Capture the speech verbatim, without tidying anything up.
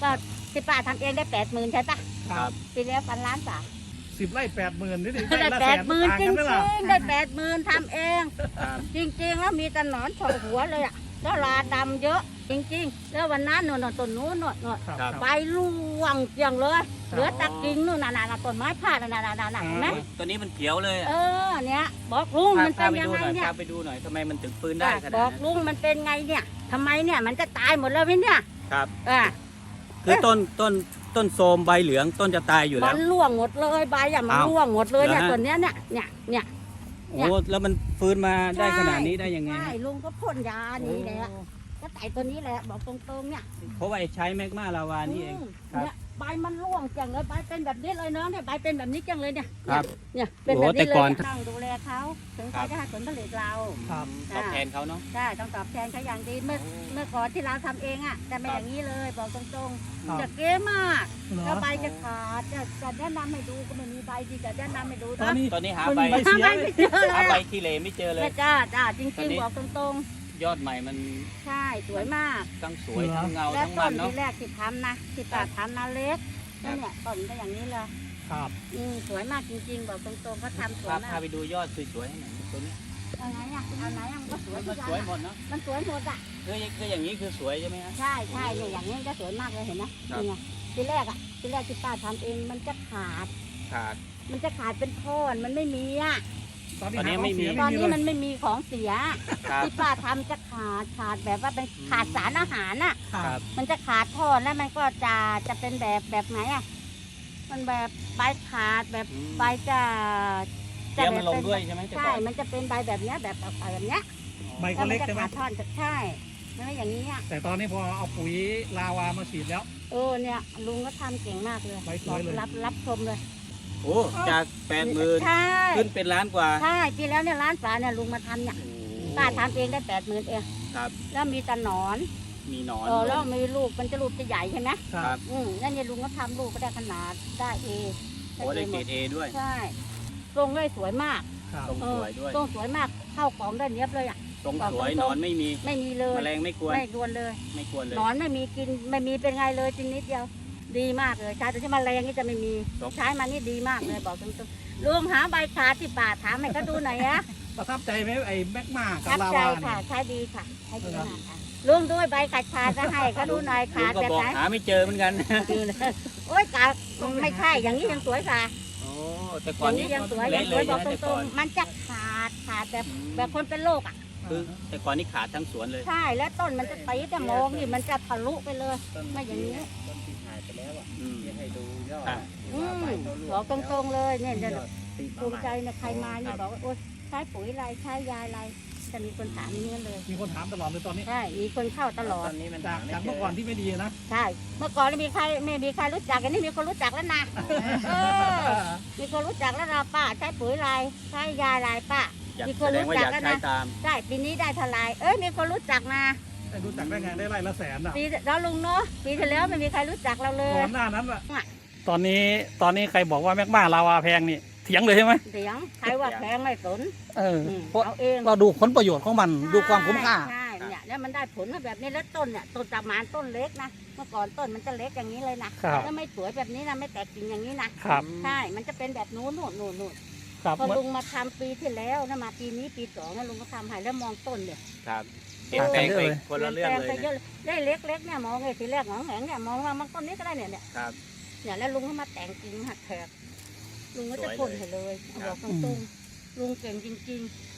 ก็ที่ป้าทำเองได้แปดหมื่นใช่ปะครับปีแล้วพันล้านสามสิบไร่แปดหมื่นนี่ดิได้ละแปสดหมื่นต่างจริกังไหมล่ะๆได้แปดหมื่นทำเองครับจริงๆแล้วมีแต่หนอนเฉาะหัวเลยอ่ะแล้วลาดำเยอะจริงๆแล้ววันนั้นโน่นๆต้นนู้นโน่นโน่นครับครับใบร่วงเกลียงเลยเหลือแตะกิ่งนู่นน่ะน่ะต้นไม้พาดน่ะน่ะน่ะน่ะเห็นไหมตัวนี้มันเขียวเลยเออเนี่ยบอกลุงพามันพาเป็นไปยังดูไงหน่อยเนี่ยพาไปดูหน่อยทำไมมันถึงฟื้นได้ขนาดบอกนั้นลุงมันเป็นไงเนี่ยทำไมเนี่ยมันจะตายหมดแล้วไหมเนี่ยครับอ่ะคือต้นต้นต้นโทรมใบเหลืองต้นจะตายอยู่มัแล้วนร่วงหมดเลยใบอ่ะมันอ้าวร่วงหมดเลยเนี่ยเหรอฮะต้นเนี้ยเนี่ยเนี่ยเนี่ยโอ้แล้วมันฟื้นมาได้ขนาดนี้ได้ยังไงใช่ฮะลุงก็พ่นยานี่แหละก็ไต่ตัวนี้แหละบอกตรงๆเนี่ยเพราะว่าไอ้ใช้แมกมาลาวานี่เองอืมครับเนี่ยใบมันร่วงจังเลยใบเป็นแบบนี้เลยเนาะเนี่ยใบเป็นแบบนี้จังเลยเนี่ยครับเนี่ยเป็นแบบโอ้แต่นี้เลก่อนยต้องดูแลเขาถึงเขาจะให้ผลผลิตเราครับตอบแทนเขาเนาะใช่ต้องตอบแทนเขาอย่างดีเมื่อเมื่อก่อนที่เราทำเองอ่ะแต่ไม่ครับอย่างนี้เลยบอกตรงครับๆจะเก๋มากเหรอแล้วใบจะขาดจะจะแนะนำให้ดูก็ไม่มีใบที่จะแนะนำให้ดูตอนนี้ตอนนี้หามันใบใบเสียใบไม่เจอเลหาย ใบขี้เหร่ไม่เจอเลยแม่จ้าจ้าจตอนริงนี้ๆบอกตรงยอดใหม่มันๆ ใช่สวยมากทั้งสวยทั้งเงาและทั้งต้มัน นเนาะที่แรกที่ทำนะที่ป้าทำนะเล็กเนี่ยต้นก็อย่างนี้เลยครับอืมสวยมากจริงๆบอกตรงๆเขาทำสวยพามาพาก ไปดูยอดสวยๆให้หน่อยตัวนี้เอาไหนอ่ะเอาไหนอ่ะมันก็สวยมัทุนกสวยอย่างหมดเนาะมันสวยหมดอ่ะคือคืออย่างนี้คือสวยใช่ไหมฮะใช่ใช่เนี่ยอย่างนี้ก็สวยมากเลยเห็นไหมครับนี่ไงทีแรกอ่ะทีแรกที่ป้าทำเองมันจะขาดขาดมันจะขาดเป็นท่อนมันไม่มีอ่ะตอนนี้ตอนนี้หาไม่มีของเสียตอนไม่มีนี้เลมันยไม่มีของเสียครับที่ป้าทำจะขาดขาดแบบว่าเป็นขาดสารอาหารอ่ะครับมันจะขาดท่อนแล้วมันก็จะจะเป็นแบบแบบไหนอ่ะมันแบบใบขาดแบบอืมใบจะเดี๋ยวมันลงด้วยใช่ไหมแต่ใช่ก่อนมันจะเป็นใบแบบเนี้ยแบบแบบเนี้ยใบแล้ก็วมัเล็กจะใช่ไหมขาดท่อนใช่ไม่อย่างนี้อ่ะแต่ตอนนี้พอเอาปุ๋ยลาวามาฉีดแล้วเออเนี่ยลุงก็ทำเก่งมากเลยใบสวยเลยรับรับชมเลยโอ้จากแปดหมื่นใช่ขึ้นเป็นล้านกว่าใช่ปีแล้วเนี่ยร้านฝาเนี่ยลุงมาทำเนี่ยป้าทำเองได้แปดหมื่นเองครับแล้วมีแตะหนอนมีหนอนเออแล้วมีลูกมันจะลูกจะใหญ่ใช่ไหมคครัรับบอืมแล้วเนี่ยลุงก็ทำลูกก็ได้ขนาดได้เอโอ้ได้เกรดเอด้วยใช่ทรงเลยสวยมากครับทรงสวยด้วยทรงสวยมากเข้ากล่องได้เนี้ยบเลยอ่ะทรงสวยหนอนไม่มีไม่มีเลยแมลงไม่กวนไม่กวนเลยไม่กวนเลยหนอนไม่มีกินไม่มีเป็นไงเลยจริงนิดเดียว ดีมากเลยใช้แต่ที่แมลงนี่จะไม่มีครับใช้มานี่ดีมากเลยบอกตรงๆลุงหาใบขาที่ป่าถามให้เขาดูหน่อยนะประทับใจไหมไอ้แมกมากับรับลาใจวาค่ะเนี่ยใช้ดีค่ะใช้ดีมากค่ะลุงด้วยใบขาดขาดจะให้เขาดูหน่อยลุขาง ดก็แบบบอกไหนหาไม่เจอเหมือนกันโอ๊ยกาไม่ใช่อย่างนี้ยังสวยค่ะโอ้แต่อก่อนย่างนี้นี้ยังสวยยัเละงสเลวยยบอกนะตแต่รก่อง นๆมันจะขาดขาดแบบอืมแบบคนเป็นโรคอ่ะคือแต่ก่อนนี่ขาดทั้งสวนเลยใช่แล้วต้นมันจะตีแต่มองนี่มันจะทะลุไปเลย ไม่อย่างนี้อืมให้ดูยอดครับอืมบอกตรงๆเลยเนี่ยเนี่ยภูมิใจนะใครมาเนี่ยบอกว่าโอ๊ยใช้ปุ๋ยอะไรใช้ยาอะไรจะมีคนถามอย่างนี้เลยมีคนถามตลอดเลยตอนนี้ใช่มีคนเข้าตลอตดอนนี้มันจากจากเมื่อก่อนที่ไม่ดีนะใช่ เมื่อก่อนไม่มีใครไม่มีใครรู้จักอันนี้มีคนรู้จักแล้วนะเออมีคนรู้จักแล้วนะป้าใช้ปุ๋ยอะไรใช้ยาอะไรป้าอยากมีคแสนดรู้งว่าจัอก ยากแล้วใช้นะตามได้ปีนี้ได้เท่าไหรเอ้ยมีคนรู้จักนะได้รู้จักได้ไงได้ไร่ละแสนอ่ะปีแล้วลุงเนาะปีที่แล้วไม่มีใครรู้จักเราเลยก่อนหน้านั้นอ่ะตอนนี้ตอนนี้ใครบอกว่าแมกมาลาวาแพงนี่เถียงเลยใช่ไหมเสียงใครว่าแพงไม่สนเอออืมเพราะเอาเองเราดูผลประโยชน์ของมันดูความคุ้มค่าใช่เนี่ยแล้วมันได้ผลมาแบบนี้แล้วต้นเนี่ยต้นตะมานต้นเล็กนะเมื่อก่อนต้นมันจะเล็กอย่างนี้เลยนะครับ แล้วไม่สวยแบบนี้นะไม่แตกกิ่งอย่างนี้นะครับ ใช่มันจะเป็นแบบนู้นนู่นนู่นนู่นครับพอลุงมาทำปีที่แล้วนะมาปีนี้ปีสองนะลุงก็ทำให้แล้วมองต้นเนี่ยครับเปลี่ยนแปลงไปคนละเรื่องเลยปนแปงไปเยนะอะได้เล็กๆเนี่ยมองไงทีแรกหงองแหงเนี่ยมองว่ามันต้นนี้ก็ได้เนี่ยเนี่ยครับเนี่ยแล้วลุงก็มาแต่งกิ่งหักแถบลุงก็จะสวยเลยพ่นให้เลยบอกตรงๆลุงเก่งจริงๆ